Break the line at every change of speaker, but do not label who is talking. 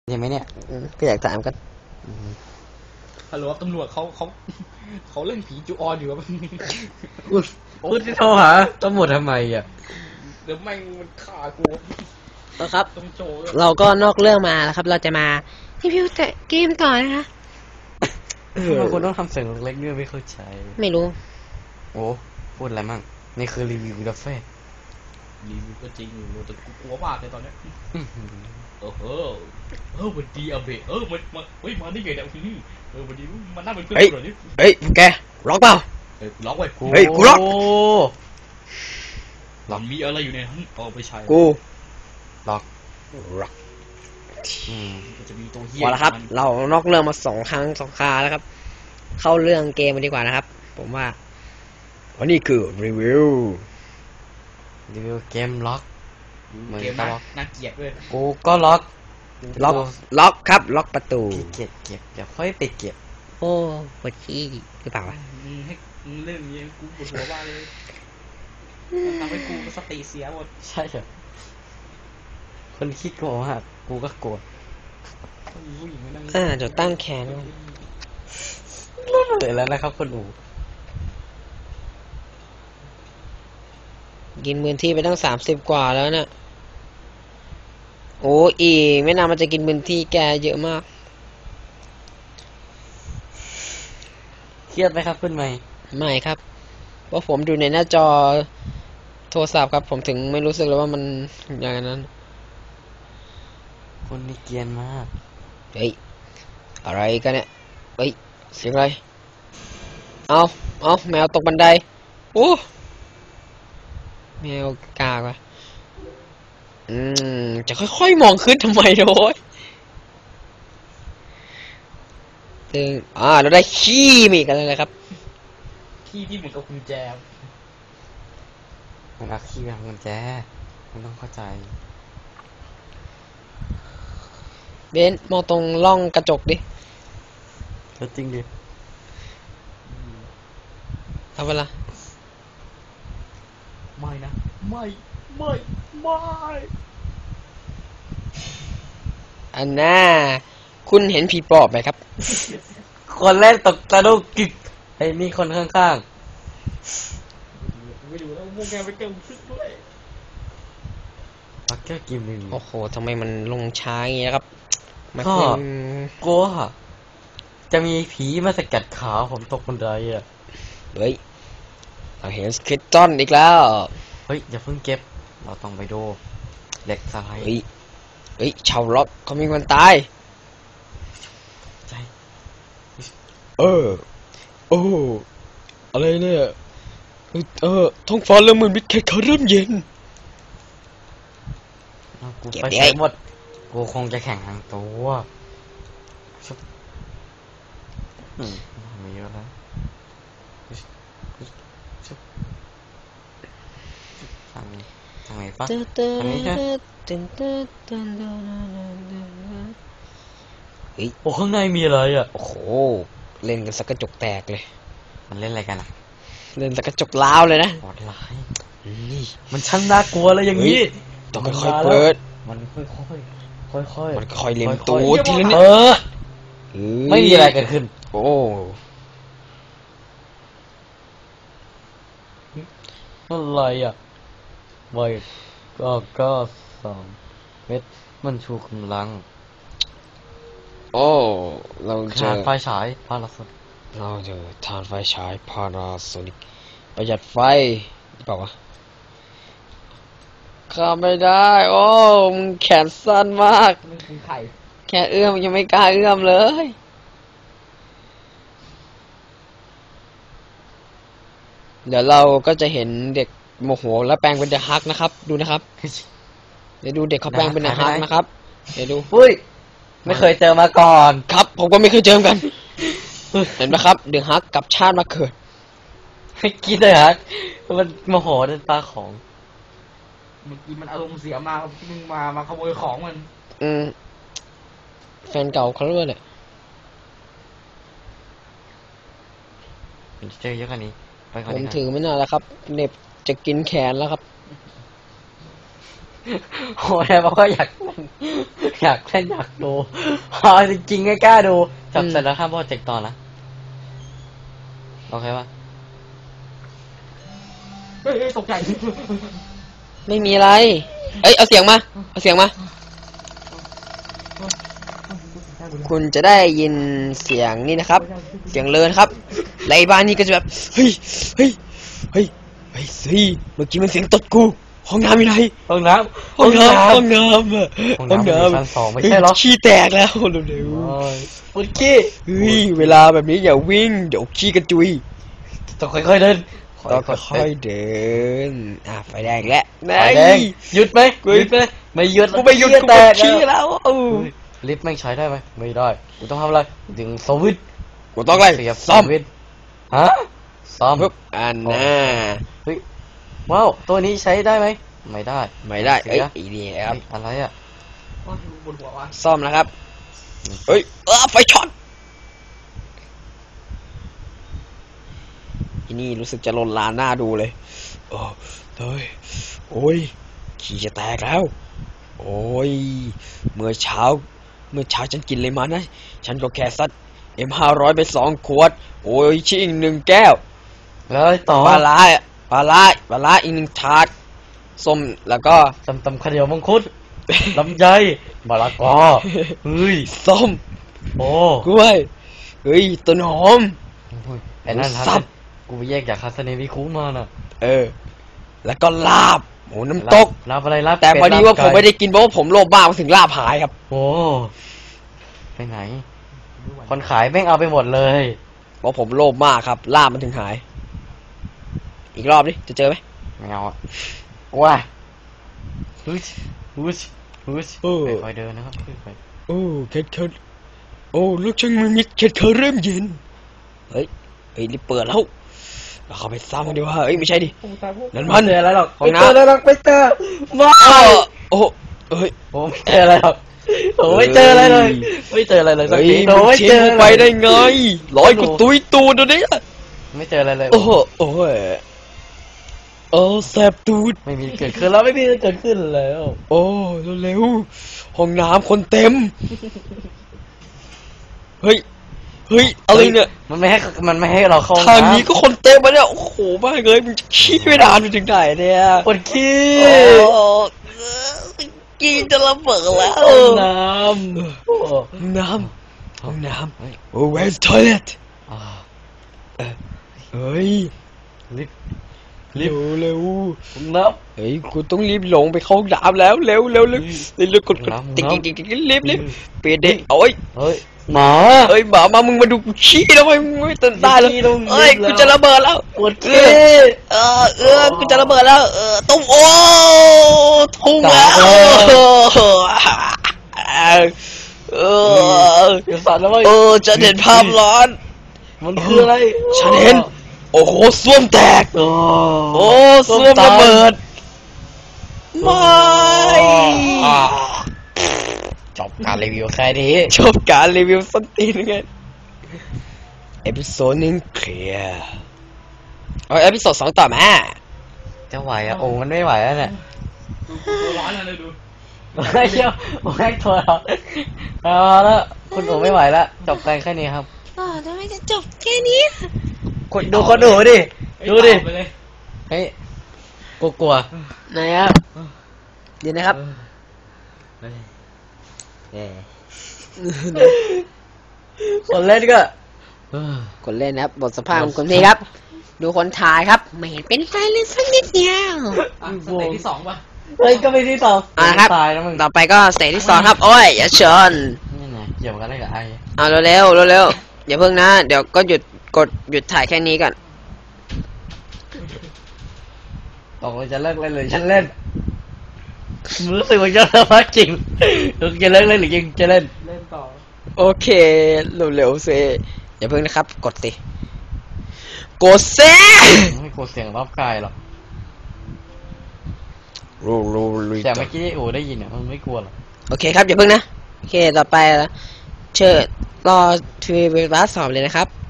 ใช่ไหมเนี่ย
ก็อยากถามกัน
ฮัลโหลตำรวจเขาเล่นผีจูออนอยู่ครับ
คุณจะโทรหาตำรวจทำไมอ่ะ
เดี๋ยวแม่งมันฆ่ากู
ครับ
ต้องโจย
เราก็นอกเรื่องมาแล้วครับ เราจะมารีวิวแต่เกมต่อนะคะ
ทำไมคุณต้องทำเสียงเล็กๆด้วยไม่เข้าใจ
ไม่รู้
โอ้พูดอะไรมั่งนี่คือรีวิวกาแฟ
รีวิวก็จริงอยู่แต่กูกลัวมากเลยตอนเนี้ยวันดีอาเบะมันเฮ้ยมาได้ไงเนี่ยวันดีมันน่าเป็นเพื่อนกูเหรอเนี่ย
เฮ้ยแกล็อกเปล่า
กูล็อกไว้
เฮ้ยกูล็อก
มันมีอะไรอยู่ในนั้นเอาไปใช้
กู
ล็อก
ล็อก
มันจะมีตัวเหี้ย
พอแล้วครับ เรานอกเรื่องมา2 ครั้ง 2 คราแล้วครับ เข้าเรื่องเกมมาดีกว่านะครับ ผมว่าวันนี้คือรีวิว
รีวิวเกมล็อก
เกมน่าเกลียดด้วย
กูก็ล็อก
ล็อกครับ ล็อกประตู
เก็บเดี๋ยวค่อยไปเก็บ
โอ้ปวดขี้หรือเปล่าวะ
ให้เล่นอย่างนี้กูปวดหัวว่าเลยทำให้กูสติเสียหมด
ใช่เหรอคนคิดโกงอ่ะกูก็โกรธ
ผู้หญิงไม่นั่ง
จะตั้งแขน
เลยแล้วนะครับคนอู
กินพื้นที่ไปตั้ง30 กว่าแล้วเนี่ยโอ้อีกไม่นานมันจะกินพื้นที่แกเยอะมาก
เครียดไหมครับคุณใหม่
ไม่ครับเพราะผมดูในหน้าจอโทรศัพท์ครับ ผมถึงไม่รู้สึกเลยว่ามันอย่างนั้น
คนนี่เกรียนมาก
เฮ้ยอะไรกันเนี่ยเฮ้ยเสียงอะไรเอาแมวตกบันไดโอ้แมวกากว่ะจะค่อยๆมองขึ้นทำไมโว้ยตึงเราได้ขี้มีกันเลยครับ
ที่เหมือนกับกุญแจ
มันเอาขี้ไปทำกุญแจมันต้องเข้าใจ
เบนซ์มองตรงร่องกระจกดิ
แล้วจริงดิ
เอาเวลา
ไม่นะไม่
อันน่าคุณเห็นผีปอบไหมครับ
คนแรกตกตะลุกกึกไอ้นี่คนข้าง
ไม่ดูแล้วโมแกไปเกินซึกด้วย
ๆปักเกอร์กิมหนึ่ง
โอ้โหทำไมมันลงช้าอย่างนี้นะครับมัน
ก็
คือ
กลัวจะมีผีมาสกัดขาผมตกบันไดอ่ะ
เฮ้ยเราเห็นสคิตตันอีกแล้ว
เฮ้ยอย่าเพิ่งเก็บเราต้องไปดูเหล็กสไลด์
เฮ้ยชาวล็อกเขามีคนตาย
ใจ
โอ้อะไรเนี่ยท้องฟ้าเริ่มมืดมิดแค่เขาเริ่มเย็น
เอากู
เก็บ
ไป
ดิ
ใช้หมดกูคงจะแข่งทางตัวชุบมีเยอะแล้วชุบทางไหนปะ อันนี้ใช่ โอ้ข้างในมีอะไรอ่ะ
โอ้โหเล่นกันสักกระจกแตกเลย
มันเล่นอะไรกันอ่ะ
เล่นสักกระจกล้าวเลยนะ
โหดร้าย
นี่
มันช่างน่ากลัวเลยอย่างนี้
ต้องค่อยๆเปิด
มันค่อยๆ
มันค่อยเล็มตู
ค่อย
ด
ๆ
ทีละนิด
เออไม่มีอะไรเกิดขึ้น
โอ้
อะไรอ่ะไม่ก็2 เม็ดมันชูกำลัง
โอ้เราเจ
ขา
อ
ดไฟฉายพาราโซน
เราเจอทานไฟฉายพาราโซนิกประหยัดไฟหรือเปล่าวะข้าไม่ได้ โอ้มึงแขนสั้นมาก
มันคือไข่
แค่เอื้อมยังไม่กล้าเอื้อมเลย เดี๋ยวเราก็จะเห็นเด็กโมโหแล้วแปลงเป็นเดอะฮักนะครับ ดูนะครับ เดี๋ยวดูเด็กเขาแปลงเป็นเดอะฮักนะครับ เดี๋ยวดู
อุ้ยไม่เคยเจอมาก่อน
ครับ ผมก็ไม่เคยเจอกัน เห็นไหมครับ เดอะฮักกับชาติมาเกิด
ไม่คิดเลยฮะมันโมโหเดินปลาของ
เมื่อกี้มันอารมณ์เสียมามึงมาขโมยของมัน
แฟนเก่าเขาด้วยแหละ
มันจะเจอเยอะกว่านี้ไปก่อน
ผม
ดีกว่า
ถือไม่นานแล้วครับเหน็บจะกินแขนแล้วครับ
โอ้ยบอกว่าอยากเล่นอยากเล่นอยากดูจริงๆไม่กล้าดูจับเสร็จแล้วข้ามโปรเจกต์ต่อนะโอเคปะ
เฮ้ยตกใจ
ไม่มีอะไร เอ้ยเอาเสียงมาเอาเสียงมา คุณจะได้ยินเสียงนี่นะครับ เสียงเลินครับไล่บ้านนี่ก็จะแบบเฮ้ยเฮ้ยเฮ้ยเฮ้ยสิเมื่อกี้มันเสียงตดกูห้องน้ำอยู่ไหน
ห้องน้ำ
ห้องน้ำห้องน้ำอะ
ห้องน้ำอยู่ชั้นสองไม่ใช่หรอ
ขี้แตกแล้วเร็ว
โอ้ยปุดกี้
ๆเฮ้ยเวลาแบบนี้อย่าวิ่งเดี๋ยวขี้กระจุย
ต้องค่อยๆเดิน
ต้องค่อยๆเดินไฟแดงแล้ว
ไฟแดงหยุดไหมหยุดไหมไม่หยุด
กูไม่หยุดกู
แต
ปวด
ก
ขี้แล้ว
ลิฟต์ไม่ใช้ได้ไหมไม่ได้กูต้องทำอะไรดึงสวิตช์
กูต้องอะไร
เสียบส
ซ่อม
วิตช์ฮะซ่อม
ปุ๊บอันน่ะ
เฮ้ยว้าวตัวนี้ใช้ได้ไหมไม่ได้
ไม่ได้
เสี
เอ้ย
ย
อีนี่ครับ
เฮ้ยอะไรอ่ะ
โอ้ยบนหัววะ
ซ่อมนะครับเฮ้ยไฟช็อตอีนี่รู้สึกจะลนลานหน้าดูเลยโอ้เฮ้ยโอ้ยขี้จะแตกแล้วโอ้ยเมื่อเช้าฉันกินเลยมานะฉันก็แค่ซัดM500ไป2 ขวดโอ้ยชิ่ง1 แก้ว
แล้วต่อ
ปลาร้าอีก1 ถาดส้มแล้วก็
ตำข้าวเหนียวมังคุด ลำไยมะละกอเฮ้ย
ส้ม
โอ้
กล้วยเฮ้ยต้นหอม
ไอ้นั่น
สั
ทั
บ
กูไปแยกจากคาสเนวิคุมาน่ะ
แล้วก็ลาบหมูน้ำตก
รับอะไรรับ
แต่พอดีว่า
เป็
ผมไม่ได้กินเพราะว่าผมโลภมากมาถึงลาบหายครับ
โอ้ไปไหน คนขายแม่งเอาไปหมดเลย
เพราะผมโลภมากครับลาบมันถึงหาย อีกรอบดิจะเจอไหม
ไม่เอาอะว้าฮึชฮึชฮึชค่อยๆเดินนะครับค่อย
โอ้เค็ดโอ้ลูกช่างมือมิดเค็ดเริ่มเย็นเฮ้ยรีบเปิดแล้วเราเข้าไปซ้ำกันดีว่าเอ้ยไม่ใช่ดิ
โอ้ตายพวก
นั่น
ๆ
มัน
เจออะไรหรอก
ห้อง
ไม่
น้ำ
เจออะไรหรอกไม่เจอมา
โอ้เฮ้ย
ผมไม่เจออะไรหรอกผมไม่เจออะไรเลย ไม่เจออะไรเลยสัก
เฮ้ย
ที
มึ
โอ้
ง
ไม่
ทิ้
เจ
ง
อ
กูไปได้ไงร้อยกูตุยตูดเดี๋ยวนี้
ไม่เจออะไรเลย
โอ้โหโอ้ยแสบตูด
ไม่มีเกิดขึ้นแล้วไม่มีเกิดขึ้นแล้ว
โอ้เร็วห้องน้ำคนเต็มเฮ้ยอะไรเนี่ย
มันไม่ให้เราเข้า
ทางนี้ก็คนเต็มมาเนี่ยโอ้โหบ้าเลยมึงจะขี้ไม่นานไปถึงไหนเนี่ย
ปวดขี้
โอ้กินจะระเบิดแล้ว
ห้องน้ำโอ้
ห้องน้ำโอ้ where's toilet
อ่า
เฮ้ย
ลิฟต์
เร็ว
ห้องน้
เฮ้ยกูต้องรีบลงไปเข้าห้องน้ำแล้วเร็วกดติ๊กรีบเปลี่ยนเด็กโอ้ย
ำเฮ้ยหมา
เอ้ยหมามึงมาดูกูขี้ทำไมมึงไม่ตื่นตายเลย
ขี้ตรงนี้
เอ้ย
แล้ว
กูจะระเบิดแล้ว
ปวดขี้
กูจะระเบิดแล้วตุ้มโอ้ทุ่งแล้ว
อย่าสั่นนะเว้ย
จะเห็นภาพร้อน
มันคืออะไร
ฉันเห็นโอ้โหส้วมแตก
โอ้
โอ้ส้วมระเบิดไม่
จบการรีวิวแค่นี้
จบการรีวิวส้นตีนไงเอพิโซดนึงเคลียร์เอาเอพิโซด2ต่อมา
จะไหวอ่ะโอ้มันไม่ไหวแล้วเนี่ย
ดูตัวร้อนเลยดู
ไม่เชี่ยวผมให้ตัวเราเอาแล้วคุณโอ้ไม่ไหวแล้วจบกันแค่นี้ครับ
ทำไมจะจบแค่นี้
คนดูดิดูดิ
ไปเลย
เฮ้ยกลัว
ไหนครับเดี๋ยวนะครับ
คนเล่นก็
คนเล่นนะครับบทสภาพของคนนี้ครับ ดูคนถ่ายครับ ไม่เห็นเป็นไฟเลยสักนิดเดียว
อ่ะสเตจที่2ป่ะ
เฮ้ยก็ไม่ที่สอง
ครับ
ตายแล้วมึง
ต่อไปก็สเตจที่ 2ครับโอ้ยอย่าชน
นี่ไงเกี่ยวกันได้กับไอ้
เอาเร็วอย่าเพิ่งนะ เดี๋ยวก็หยุดถ่ายแค่นี้ก่อน
ตกลงจะเลิกเล่นหรือฉันเล่นรู้สึกว่าจะเลิกมากจริงจะเลิกเล่นหรือยังจะเล่น
เล่นต่อ
โอเคเร็วๆสิอย่าเพิ่งนะครับ กดสิกดสิ
ไม่กลัวเสียงรอบกายหรอก
รู
แต่เมื่อกี้โอ้ได้ยินอ่ะมันไม่กลัวหรอก
โอเคครับอย่าเพิ่งนะโอเคต่อไปเชิญรอทีวีบาสสอบเลยนะครับ